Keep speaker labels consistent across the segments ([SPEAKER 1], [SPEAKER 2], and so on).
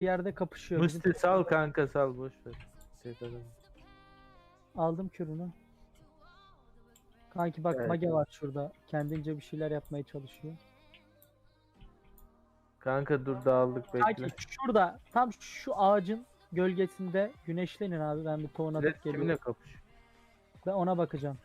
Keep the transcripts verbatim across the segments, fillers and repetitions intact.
[SPEAKER 1] bir yerde kapışıyor. Bizim
[SPEAKER 2] Musti sal kanka sal boş ver. Tek adam.
[SPEAKER 1] aldım kürünü. Kanki bak
[SPEAKER 2] Evet.
[SPEAKER 1] Mage var şurada. Kendince bir şeyler yapmaya çalışıyor.
[SPEAKER 2] Kanka dur dağıldık bekle.
[SPEAKER 1] Kanki şurada tam şu ağacın gölgesinde güneşlenin abi. Ben bir tohum
[SPEAKER 2] Red
[SPEAKER 1] atıp
[SPEAKER 2] kimle
[SPEAKER 1] geliyorum.
[SPEAKER 2] kapış?
[SPEAKER 1] Ben ona bakacağım.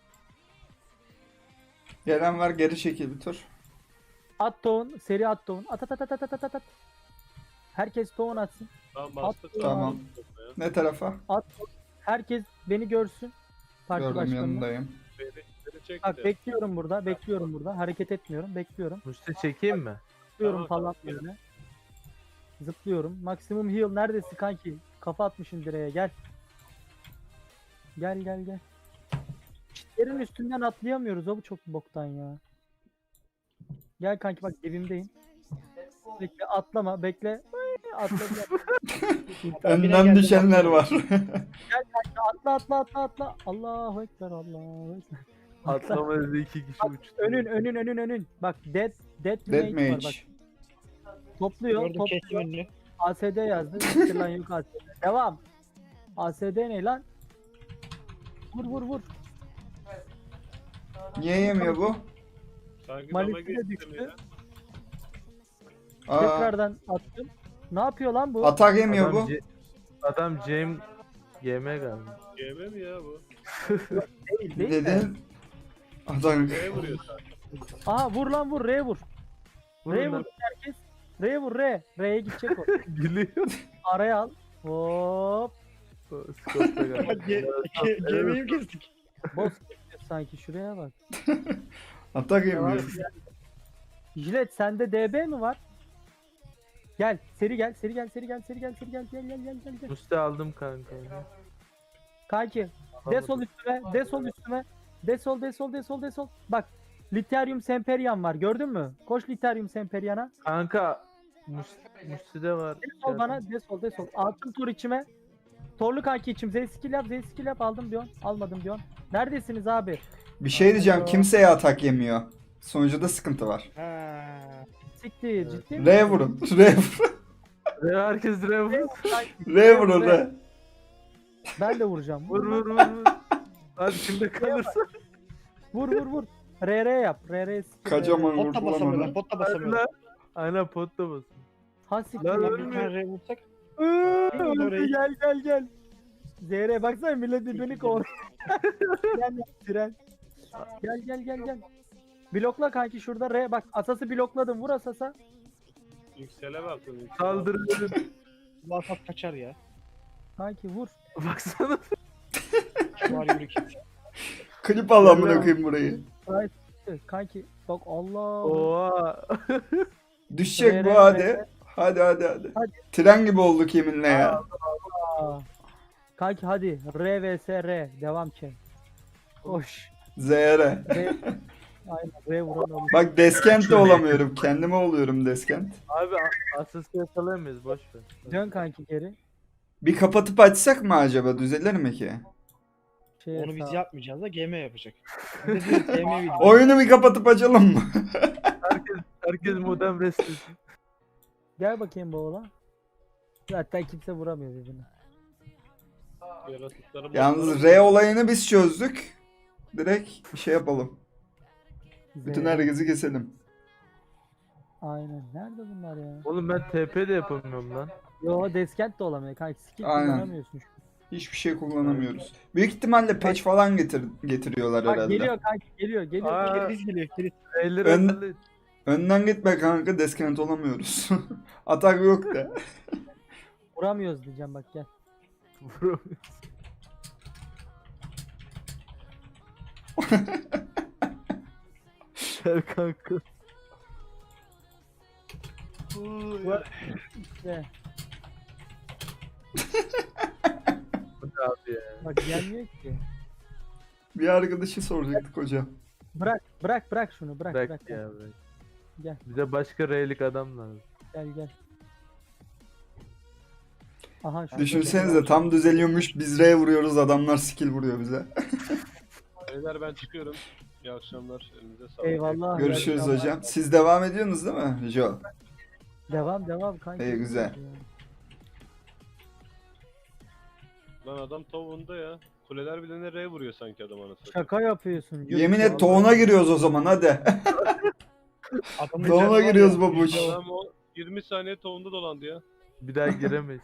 [SPEAKER 3] Gelen var, geri çekil bir tur.
[SPEAKER 1] At tohum. Seri at tohum. At at at at at at at. Herkes tohum atsın.
[SPEAKER 4] Tamam bastık.
[SPEAKER 1] At-
[SPEAKER 3] Tamam. Ne tarafa?
[SPEAKER 1] At tohum. Herkes beni görsün. Parti
[SPEAKER 3] Gördüm,
[SPEAKER 1] başkanını.
[SPEAKER 3] yanındayım.
[SPEAKER 4] Beni, beni çekti.
[SPEAKER 1] Bak bekliyorum burada. Bekliyorum burada. Hareket etmiyorum. Bekliyorum.
[SPEAKER 2] Musti çekeyim mi?
[SPEAKER 1] Zıplıyorum
[SPEAKER 4] Tamam,
[SPEAKER 1] falan
[SPEAKER 4] tamam,
[SPEAKER 1] böyle. Zıplıyorum. Maksimum heal neredesin kanki? Kafa atmışsın direğe gel. Gel gel gel. Çitlerin üstünden atlayamıyoruz o bu çok boktan ya. Gel kanki bak dibimdeyim. Bekle atlama bekle. Ay, Atla gel.
[SPEAKER 3] Önden düşenler var.
[SPEAKER 1] atla atla atla atla. Allahu ekber Allahu ekber.
[SPEAKER 2] Atlama dedi iki kişi
[SPEAKER 1] Bak,
[SPEAKER 2] uçtu.
[SPEAKER 1] önün önün önün önün. Bak dead dead,
[SPEAKER 3] Dead
[SPEAKER 1] mage var bak.
[SPEAKER 3] Mage.
[SPEAKER 1] Topluyor
[SPEAKER 5] Gördüm kestim
[SPEAKER 1] topluyor.
[SPEAKER 5] önünü.
[SPEAKER 1] A S D yazdı. Siktir lan yok A S D. Devam. A S D ne lan? Vur vur vur.
[SPEAKER 3] Niye yemiyor bu?
[SPEAKER 4] Sanki
[SPEAKER 1] Malis'e
[SPEAKER 4] dama geçtim
[SPEAKER 1] düştü.
[SPEAKER 4] ya.
[SPEAKER 3] Aa,
[SPEAKER 1] Tekrardan attım. Ne yapıyor lan bu?
[SPEAKER 3] atak yemiyor
[SPEAKER 2] Adam,
[SPEAKER 3] bu.
[SPEAKER 2] Ce- adam James G M galiba.
[SPEAKER 4] G M mi ya bu?
[SPEAKER 1] Değil, değil mi?
[SPEAKER 3] Dedin. Adam.
[SPEAKER 4] Neye vuruyor sanki?
[SPEAKER 1] Aha vur lan vur. R'ye vur.
[SPEAKER 2] Vurun
[SPEAKER 1] R'ye
[SPEAKER 2] lan.
[SPEAKER 1] vur herkes. R'ye vur R. R'ye gidecek o.
[SPEAKER 2] Gülüyor.
[SPEAKER 1] Araya al. Hop.
[SPEAKER 2] Scott'ta galiba.
[SPEAKER 5] Gemiyi kestik.
[SPEAKER 1] Boss geçiyor sanki şuraya bak.
[SPEAKER 3] Atak
[SPEAKER 1] Devam
[SPEAKER 3] yemiyor.
[SPEAKER 1] et. Jilet sende D B mi var? Gel seri gel seri gel seri gel seri gel seri gel gel gel gel gel gel.
[SPEAKER 2] Musti aldım kanka.
[SPEAKER 1] Kanki desol üstüme desol üstüme desol desol desol desol. Bak Literium Semperian var gördün mü? Koş Literium Semperian'a.
[SPEAKER 2] Kanka Musti, Musti'de var.
[SPEAKER 1] Desol bana desol desol. Altın tur içime. Torlu kanki içim. Z skill yap Z skill yap aldım diyorsun. Almadım diyorsun. Neredesiniz abi?
[SPEAKER 3] Bir şey diyeceğim, kimseye atak yemiyor. Sonucuda sıkıntı var.
[SPEAKER 5] Ha.
[SPEAKER 1] Siktir ciddi misin?
[SPEAKER 3] R vurun. R vurun.
[SPEAKER 2] Re herkes re vur.
[SPEAKER 1] Kanki,
[SPEAKER 3] R vurun R.
[SPEAKER 1] Ben de vuracağım.
[SPEAKER 2] Vur vur vur. vur. Hadi kimde kalırsa.
[SPEAKER 1] Vur vur vur. R R yap. R R skill.
[SPEAKER 3] Kocaman
[SPEAKER 5] Pot
[SPEAKER 3] vurdu
[SPEAKER 5] da
[SPEAKER 3] lan
[SPEAKER 5] basamıyorlar.
[SPEAKER 3] onu.
[SPEAKER 5] Pot da
[SPEAKER 2] Hadi
[SPEAKER 5] basamıyorlar.
[SPEAKER 2] lan. Aynen potta basın.
[SPEAKER 1] Ha siktir.
[SPEAKER 2] Lan
[SPEAKER 1] lan.
[SPEAKER 5] Bir
[SPEAKER 2] ölmüyor.
[SPEAKER 5] tane vursak.
[SPEAKER 1] Öldü,
[SPEAKER 5] Orayı-
[SPEAKER 1] gel gel gel. Z R baksana millet birbirini kovalıyor. Gel tren. Gel gel gel gel. Blokla kanki şurada R bak asası blokladım vur asasa.
[SPEAKER 4] Yüksele bakın. yüksele.
[SPEAKER 2] Saldırın.
[SPEAKER 5] Vasat kaçar ya.
[SPEAKER 1] Kanki vur.
[SPEAKER 2] Baksana.
[SPEAKER 5] Var yürü kim.
[SPEAKER 3] Klip al amına koyayım burayı.
[SPEAKER 1] Kanki bak Allah.
[SPEAKER 2] Oha.
[SPEAKER 3] Düşecek
[SPEAKER 1] R,
[SPEAKER 3] bu
[SPEAKER 1] R,
[SPEAKER 3] hadi.
[SPEAKER 1] R.
[SPEAKER 3] Hadi hadi hadi.
[SPEAKER 1] Hadi.
[SPEAKER 3] Tren gibi olduk yeminle ya.
[SPEAKER 1] Aa. Kanki hadi R vs R devam ki. Koş.
[SPEAKER 3] Z R.
[SPEAKER 1] R. Aynen R vuran olur.
[SPEAKER 3] Bak deskent de olamıyorum. Kendime oluyorum deskent.
[SPEAKER 2] Abi a- asası yakalayamayız boş ver.
[SPEAKER 1] Dön kanki geri.
[SPEAKER 3] Bir kapatıp açsak mı acaba? Düzelir mi ki?
[SPEAKER 1] Şeye
[SPEAKER 5] Onu biz
[SPEAKER 1] sağ-
[SPEAKER 5] yapmayacağız da G M yapacak. Biz de G M video.
[SPEAKER 3] Oyunu bir kapatıp açalım mı?
[SPEAKER 2] Herkes herkes modem restlesin.
[SPEAKER 1] Gel bakayım bu oğlan. Zaten kimse vuramıyor birbirine.
[SPEAKER 4] Yaratıkları
[SPEAKER 3] Yalnız
[SPEAKER 4] bozdular.
[SPEAKER 3] R olayını biz çözdük. Direkt bir şey yapalım. Bütün
[SPEAKER 1] Z.
[SPEAKER 3] herkesi keselim.
[SPEAKER 1] Aynen. Nerede bunlar ya?
[SPEAKER 2] Oğlum ben T P de yapamıyorum lan.
[SPEAKER 1] Yo deskent de olamıyor kanki. Skill
[SPEAKER 3] Aynen.
[SPEAKER 1] kullanamıyorsun.
[SPEAKER 3] Hiçbir şey kullanamıyoruz. Büyük ihtimalle patch falan getir getiriyorlar
[SPEAKER 1] Bak
[SPEAKER 3] herhalde.
[SPEAKER 1] geliyor kanki geliyor geliyor.
[SPEAKER 2] Aa.
[SPEAKER 1] geliyor.
[SPEAKER 5] Kriz geliyor kriz.
[SPEAKER 2] Elleri
[SPEAKER 3] Ön-
[SPEAKER 2] hatırlayın.
[SPEAKER 3] Önden gitme kanka, deskent olamıyoruz. Atak yok da.
[SPEAKER 1] Vuramıyoruz diyeceğim bak gel.
[SPEAKER 2] Vuramıyorum. Gel kanka.
[SPEAKER 1] İşte.
[SPEAKER 2] Bu ne abi ya?
[SPEAKER 1] Bak gelmiyor ki.
[SPEAKER 3] Bir arkadaşı soracaktık hocam.
[SPEAKER 1] Bırak bırak bırak şunu bırak
[SPEAKER 2] Bırak
[SPEAKER 1] bırak.
[SPEAKER 2] ya bırak.
[SPEAKER 1] Gel
[SPEAKER 2] Bize başka R'lik adam lazım.
[SPEAKER 1] gel gel. Aha şu.
[SPEAKER 3] Düşünsenize tam düzeliyormuş, biz R vuruyoruz, adamlar skill vuruyor bize.
[SPEAKER 4] Beyler ben çıkıyorum. İyi akşamlar. Elinize sağlık.
[SPEAKER 1] Eyvallah.
[SPEAKER 3] Görüşürüz
[SPEAKER 1] Eyvallah.
[SPEAKER 3] hocam. Siz devam ediyorsunuz değil mi Jo?
[SPEAKER 1] Devam devam kanki.
[SPEAKER 3] İyi, güzel.
[SPEAKER 1] Ya.
[SPEAKER 4] Lan adam tavuğunda ya. Kuleler bile nereye vuruyor sanki adam anasını.
[SPEAKER 1] Şaka yapıyorsun. Yürü
[SPEAKER 3] Yemin
[SPEAKER 1] ya.
[SPEAKER 3] et toğuna giriyoruz o zaman hadi.
[SPEAKER 5] Adamın
[SPEAKER 3] Doğuna
[SPEAKER 5] canı var
[SPEAKER 3] giriyoruz
[SPEAKER 5] ya,
[SPEAKER 3] babuş.
[SPEAKER 5] işte o.
[SPEAKER 4] Adam o yirmi saniye tavuğunda dolandı ya.
[SPEAKER 2] Bir daha giremeyiz.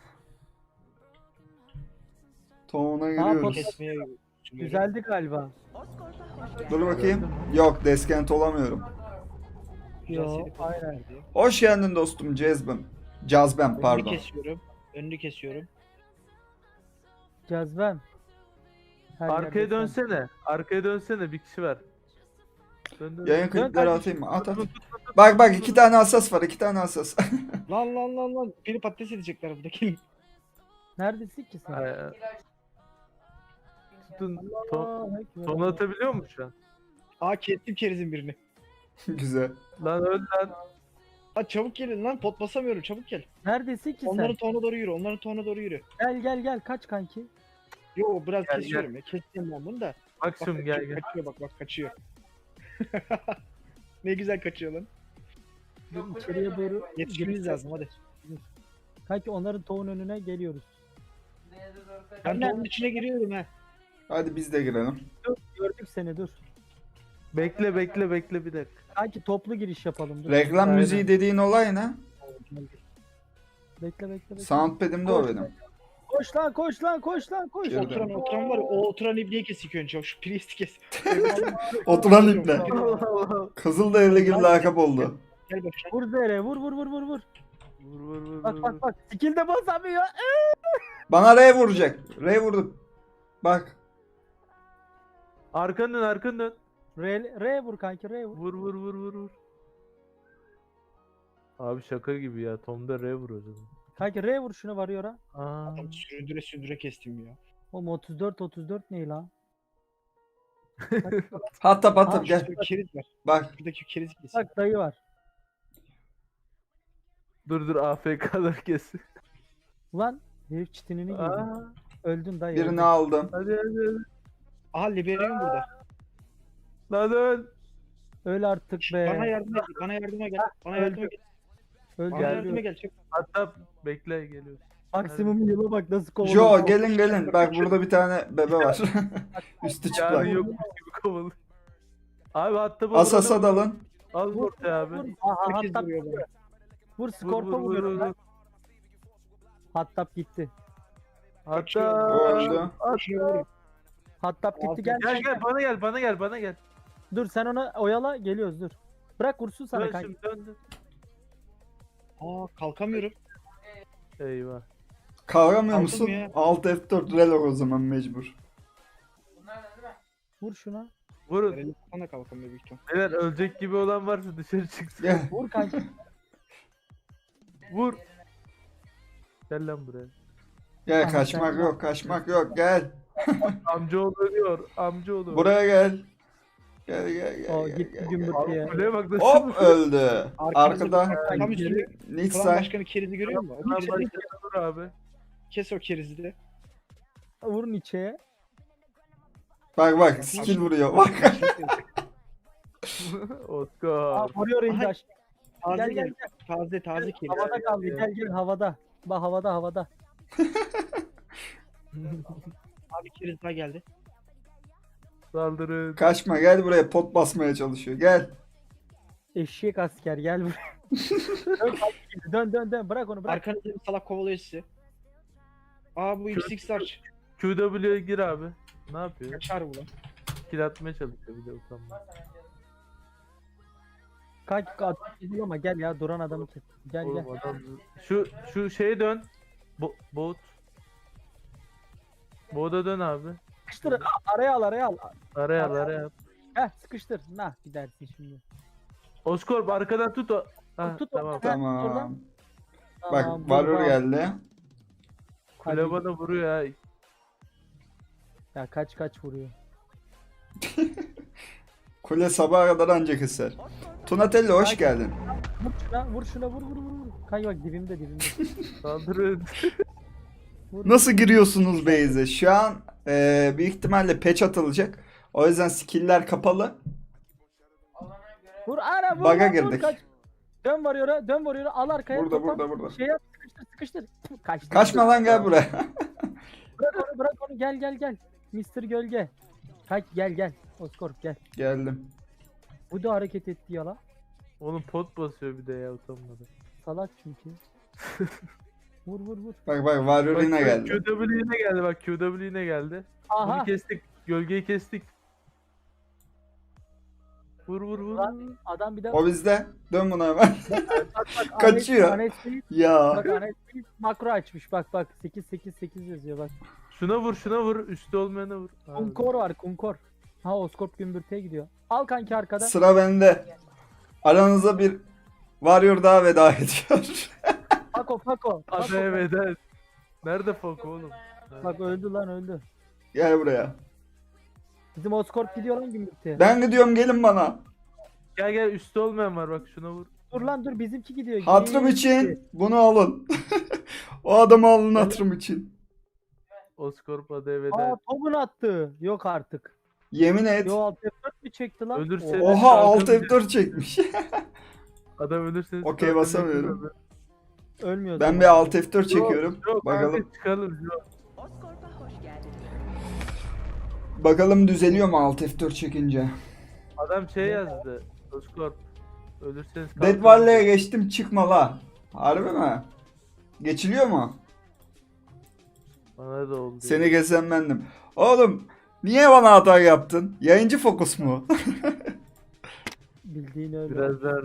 [SPEAKER 3] Toğuna
[SPEAKER 1] Ha,
[SPEAKER 3] giriyoruz.
[SPEAKER 5] Kesmeye düşünüyorum.
[SPEAKER 1] Güzeldi galiba.
[SPEAKER 3] Dur bakayım. Yok deskent olamıyorum.
[SPEAKER 5] Güzel
[SPEAKER 1] Yo,
[SPEAKER 5] seri pozisyon
[SPEAKER 1] aynen.
[SPEAKER 5] verdi ya.
[SPEAKER 3] Hoş geldin dostum Cezbem. Cazbem
[SPEAKER 5] Önünü
[SPEAKER 3] pardon.
[SPEAKER 5] kesiyorum. Önünü kesiyorum.
[SPEAKER 1] Cezbem. Her
[SPEAKER 2] Arkaya
[SPEAKER 1] yerde sen.
[SPEAKER 2] dönsene. Arkaya dönsene, bir kişi var. Dön, dön.
[SPEAKER 3] Yayın klipleri
[SPEAKER 1] kardeşim.
[SPEAKER 3] atayım mı? At at. Bak bak iki tane hassas var iki tane hassas.
[SPEAKER 5] Lan lan lan lan. Beni patates edecekler buradaki.
[SPEAKER 1] Neredesin ki sen?
[SPEAKER 2] Ay, ay. Tutun. Ton,
[SPEAKER 1] Allahu Ekber.
[SPEAKER 2] ton atabiliyor mu şu an?
[SPEAKER 5] Aa kestim kerizin birini.
[SPEAKER 3] Güzel.
[SPEAKER 2] Lan öl lan.
[SPEAKER 5] Lan çabuk gelin lan pot basamıyorum çabuk gel.
[SPEAKER 1] Neredesin ki
[SPEAKER 5] Onların
[SPEAKER 1] sen?
[SPEAKER 5] tohuna doğru yürü onların tohuna doğru yürü.
[SPEAKER 1] Gel gel gel kaç kanki.
[SPEAKER 5] Yo biraz
[SPEAKER 2] Gel,
[SPEAKER 5] kesiyorum ya keseceğim ben bunu da. Bak
[SPEAKER 2] Maksimum
[SPEAKER 5] kaçıyor,
[SPEAKER 2] gel gel.
[SPEAKER 5] kaçıyor bak bak kaçıyor. Ne güzel kaçıyor lan.
[SPEAKER 1] Dur, içeriye doğru
[SPEAKER 5] Yetişmemiz lazım hadi.
[SPEAKER 1] Kanki onların tohum önüne geliyoruz.
[SPEAKER 5] Ben
[SPEAKER 1] Anne.
[SPEAKER 5] tohunun içine giriyorum ha.
[SPEAKER 3] Hadi biz de girelim.
[SPEAKER 1] Dur gördük seni dur.
[SPEAKER 2] Bekle bekle bekle bir dakika.
[SPEAKER 1] Kanki toplu giriş yapalım dur.
[SPEAKER 3] Reklam
[SPEAKER 2] Aynen.
[SPEAKER 3] müziği dediğin olay ne?
[SPEAKER 1] Bekle bekle bekle.
[SPEAKER 3] Soundpad'imde o benim.
[SPEAKER 1] Koş lan koş lan koş lan koş.
[SPEAKER 3] Girdim.
[SPEAKER 5] Oturan oturan var ya, o oturan ibneyi kes ilk önce. Şu priesti kes.
[SPEAKER 3] Oturan iple. Kızılderili gibi lakap oldu.
[SPEAKER 5] Gel başına.
[SPEAKER 1] Vur zere vur vur vur vur vur.
[SPEAKER 2] Vur vur vur.
[SPEAKER 1] Bak
[SPEAKER 2] vur,
[SPEAKER 1] bak
[SPEAKER 2] vur.
[SPEAKER 1] bak. Skill de basamıyor.
[SPEAKER 3] Bana R vuracak. R vurdum. Bak.
[SPEAKER 2] Arkanı dön arkanı dön.
[SPEAKER 1] R, R vur kanki R vur.
[SPEAKER 2] Vur vur vur vur vur. Abi şaka gibi ya. Tom'da R vur o zaman.
[SPEAKER 1] Kanki R vur şunu varıyor ha.
[SPEAKER 2] Aa.
[SPEAKER 5] Adam süründüre süründüre kestim ya.
[SPEAKER 1] Oğlum otuz dört otuz dört ne lan?
[SPEAKER 3] Hatta
[SPEAKER 1] Aa,
[SPEAKER 3] patır gel.
[SPEAKER 5] Şurada keriz var.
[SPEAKER 3] Bak.
[SPEAKER 5] Şuradaki keriz kes.
[SPEAKER 1] Bak dayı var.
[SPEAKER 2] Dur dur A F K'lar kesin.
[SPEAKER 1] Ulan herif çitinini giydi.
[SPEAKER 2] Aa.
[SPEAKER 1] Öldün dayı.
[SPEAKER 3] Birini
[SPEAKER 1] öldün.
[SPEAKER 3] aldım.
[SPEAKER 2] Hadi hadi hadi.
[SPEAKER 5] Aha Liberium burada.
[SPEAKER 2] Lan öl.
[SPEAKER 1] Öl artık be.
[SPEAKER 5] Bana yardıma gel. Bana yardıma gel. Bana yardıma gel.
[SPEAKER 1] Öl
[SPEAKER 5] Bana
[SPEAKER 2] Gel.
[SPEAKER 1] gel.
[SPEAKER 5] yardıma gel. Çabuk.
[SPEAKER 2] Hatta bekle geliyor.
[SPEAKER 1] Maksimum yıla bak nasıl kovalıyor.
[SPEAKER 3] Jo gelin gelin. Bak burada bir tane bebe var. Üstü çıplak.
[SPEAKER 2] Yani yokmuş gibi kovalı. Abi hatta bu
[SPEAKER 3] Asasa dalın.
[SPEAKER 2] Al
[SPEAKER 1] Vur,
[SPEAKER 2] ortaya abi.
[SPEAKER 1] Vur. Aha
[SPEAKER 5] Herkes
[SPEAKER 1] hatta
[SPEAKER 5] vuruyor bana.
[SPEAKER 1] vur
[SPEAKER 2] Vur
[SPEAKER 1] skorpa
[SPEAKER 2] vur vur
[SPEAKER 1] vuruyorum
[SPEAKER 2] vur.
[SPEAKER 1] lan.
[SPEAKER 2] vur.
[SPEAKER 1] Hattap gitti.
[SPEAKER 2] Hatta
[SPEAKER 3] Öldü.
[SPEAKER 5] Şunu vurun.
[SPEAKER 1] Hattap gitti gel.
[SPEAKER 2] gel gel bana gel bana gel bana gel.
[SPEAKER 1] Dur sen ona oyala geliyoruz dur. Bırak vursun sana
[SPEAKER 2] Dön
[SPEAKER 1] kanki.
[SPEAKER 2] şimdi dön dön.
[SPEAKER 5] Aa kalkamıyorum.
[SPEAKER 2] Eyvah.
[SPEAKER 3] Kavramıyor
[SPEAKER 5] Aldım
[SPEAKER 3] musun?
[SPEAKER 5] ya.
[SPEAKER 3] Alt F dört relog o zaman mecbur.
[SPEAKER 1] Vur şuna.
[SPEAKER 2] Vurun.
[SPEAKER 5] Nereli kafana kalkamıyor büyük ihtimal.
[SPEAKER 2] Beyler ölecek gibi olan varsa dışarı çıksın.
[SPEAKER 3] Gel.
[SPEAKER 1] Vur kanki.
[SPEAKER 2] Vur. Gel lan buraya.
[SPEAKER 3] Gel
[SPEAKER 1] Aha,
[SPEAKER 3] kaçmak
[SPEAKER 1] sen-
[SPEAKER 3] yok kaçmak yok gel.
[SPEAKER 2] Amcaoğlu ölüyor. Amcaoğlu.
[SPEAKER 3] Buraya gel. Gel gel gel.
[SPEAKER 1] O
[SPEAKER 3] gel,
[SPEAKER 1] gitti
[SPEAKER 3] gel,
[SPEAKER 1] gümbür
[SPEAKER 3] gel.
[SPEAKER 2] Abi
[SPEAKER 1] diye.
[SPEAKER 2] kuleye bak nasıl.
[SPEAKER 3] Hop öldü.
[SPEAKER 5] Arkamızda
[SPEAKER 3] Arkada
[SPEAKER 5] bak, tam üstünde
[SPEAKER 3] Nick
[SPEAKER 5] klan
[SPEAKER 3] say.
[SPEAKER 5] başkanı kerizi görüyor musun?
[SPEAKER 2] Lan
[SPEAKER 5] Onu kes,
[SPEAKER 2] başkanı vur abi.
[SPEAKER 5] kes o kerizi de.
[SPEAKER 1] Vurun içeye.
[SPEAKER 3] Bak bak skill vuruyor. Bak.
[SPEAKER 1] Aa,
[SPEAKER 2] Oscar.
[SPEAKER 1] vuruyor indi
[SPEAKER 5] Aha.
[SPEAKER 1] aşağı.
[SPEAKER 5] Taze
[SPEAKER 1] Gel
[SPEAKER 5] gel,
[SPEAKER 1] gel gel.
[SPEAKER 5] taze taze keriz.
[SPEAKER 1] Havada kaldı. Gel gel havada. Bak havada havada.
[SPEAKER 5] Abi keriz daha geldi.
[SPEAKER 2] Saldırın.
[SPEAKER 3] Kaçma gel buraya pot basmaya çalışıyor. Gel.
[SPEAKER 1] Eşek asker gel buraya. dön, kanki, dön dön dön. Bırak onu bırak.
[SPEAKER 5] Arkanızda bir salak kovalıyor sizi. Aa bu X X Large.
[SPEAKER 2] Q W'ye gir abi. Ne yapıyor?
[SPEAKER 5] Kaçar bu lan.
[SPEAKER 2] Kill atmaya çalışıyor bir de utanma.
[SPEAKER 1] Kanki at gidiyor ama gel ya duran adamı kes. Gel gel.
[SPEAKER 2] Oğlum adam... Şu şu şeye dön. Bo bot. Boda dön abi.
[SPEAKER 1] Sıkıştır. Aa, araya al araya al.
[SPEAKER 2] Araya al araya al.
[SPEAKER 1] Heh sıkıştır. Nah gidersin şimdi.
[SPEAKER 2] Oscorp arkadan tut o. Ha,
[SPEAKER 1] Tut o.
[SPEAKER 2] tamam.
[SPEAKER 1] Heh,
[SPEAKER 3] Tamam.
[SPEAKER 1] oradan.
[SPEAKER 3] Bak
[SPEAKER 1] Tamam, dur
[SPEAKER 3] Warrior
[SPEAKER 1] bak.
[SPEAKER 3] geldi.
[SPEAKER 2] Kule
[SPEAKER 1] Hadi.
[SPEAKER 2] bana vuruyor ya.
[SPEAKER 1] Ya kaç kaç vuruyor.
[SPEAKER 3] Kule sabaha kadar ancak keser. Tunatelli hoş geldin.
[SPEAKER 1] Vur şuna vur şuna vur vur vur. vur. Kanki bak dibimde dibimde.
[SPEAKER 2] Saldırın.
[SPEAKER 1] Vur.
[SPEAKER 3] Nasıl giriyorsunuz base'e? Şu an e, büyük ihtimalle patch atılacak. O yüzden skill'ler kapalı.
[SPEAKER 1] Vur ara vur.
[SPEAKER 3] Bug'a
[SPEAKER 1] lan, vur,
[SPEAKER 3] girdik.
[SPEAKER 1] kaç. Dön varıyor dön varıyor al arkaya.
[SPEAKER 3] Burada
[SPEAKER 1] topla.
[SPEAKER 3] burada burada.
[SPEAKER 1] Şey yap sıkıştır sıkıştır. Kaçtı.
[SPEAKER 3] Kaçma lan gel buraya.
[SPEAKER 1] Bırak onu bırak Gel gel gel. mister Gölge. Kanki gel gel. Oscorp gel.
[SPEAKER 3] Geldim.
[SPEAKER 1] Bu da hareket etti ya la.
[SPEAKER 2] Oğlum pot basıyor bir de ya utanmadı.
[SPEAKER 1] Salak çünkü. Vur vur vur.
[SPEAKER 3] Bak bak Warrior yine geldi.
[SPEAKER 2] Q W yine geldi bak Q W yine geldi.
[SPEAKER 1] Aha.
[SPEAKER 2] Bunu kestik. Gölgeyi kestik. Vur vur vur.
[SPEAKER 1] Lan. Adam bir daha
[SPEAKER 3] O bizde. Dön buna hemen.
[SPEAKER 1] bak bak.
[SPEAKER 3] kaçıyor.
[SPEAKER 1] Anet, Anet,
[SPEAKER 3] Ya.
[SPEAKER 1] bak Anet makro açmış. Bak bak sekiz sekiz sekiz yazıyor bak.
[SPEAKER 2] Şuna vur şuna vur. Üstü olmayana vur. Ha,
[SPEAKER 1] Kunkor var kunkor. Ha Oscorp gümbürtüye gidiyor. Al kanki arkada.
[SPEAKER 3] Sıra bende. Aranıza bir Warrior daha veda ediyor.
[SPEAKER 1] Fako Fako.
[SPEAKER 2] Hadi
[SPEAKER 1] Fako.
[SPEAKER 2] evet evet. Nerede Fok oğlum? Ha.
[SPEAKER 1] Bak öldü lan öldü.
[SPEAKER 3] Gel buraya.
[SPEAKER 1] Bizim Oscorp gidiyor lan gümbürtüye.
[SPEAKER 3] Ben gidiyorum gelin bana.
[SPEAKER 2] Gel gel üstü olmayan var bak şuna vur.
[SPEAKER 1] Dur lan dur bizimki gidiyor.
[SPEAKER 3] Hatırım
[SPEAKER 1] Gitti.
[SPEAKER 3] için bunu alın. O adamı alın hatırım için.
[SPEAKER 2] Oscorp hadi evet.
[SPEAKER 1] Aa Tobun attı. Yok artık.
[SPEAKER 3] Yemin et.
[SPEAKER 1] Yo alt F dört mi çekti lan?
[SPEAKER 2] Ölürse-
[SPEAKER 1] Oha.
[SPEAKER 3] Oha alt F dört çekmiş.
[SPEAKER 2] Adam ölürseniz.
[SPEAKER 3] Okey,
[SPEAKER 2] zaten
[SPEAKER 3] basamıyorum.
[SPEAKER 2] ölür.
[SPEAKER 1] Ölmüyor.
[SPEAKER 3] Ben
[SPEAKER 1] Tobun.
[SPEAKER 3] bir alt F dört çekiyorum.
[SPEAKER 2] Yok
[SPEAKER 3] Bakalım.
[SPEAKER 2] kanka çıkalım. Yok.
[SPEAKER 6] Oscorp'a hoş geldin.
[SPEAKER 3] Bakalım düzeliyor mu alt F dört çekince.
[SPEAKER 2] Adam şey yazdı. Oscorp. Ölürseniz
[SPEAKER 3] Dead
[SPEAKER 2] kalkın.
[SPEAKER 3] Valley'e geçtim çıkma la. Harbi mi? Geçiliyor mu?
[SPEAKER 2] Bana da oldu.
[SPEAKER 3] Seni kesen bendim. Oğlum niye bana hata yaptın? Yayıncı fokus mu?
[SPEAKER 1] Bildiğin öyle.
[SPEAKER 2] Biraz daha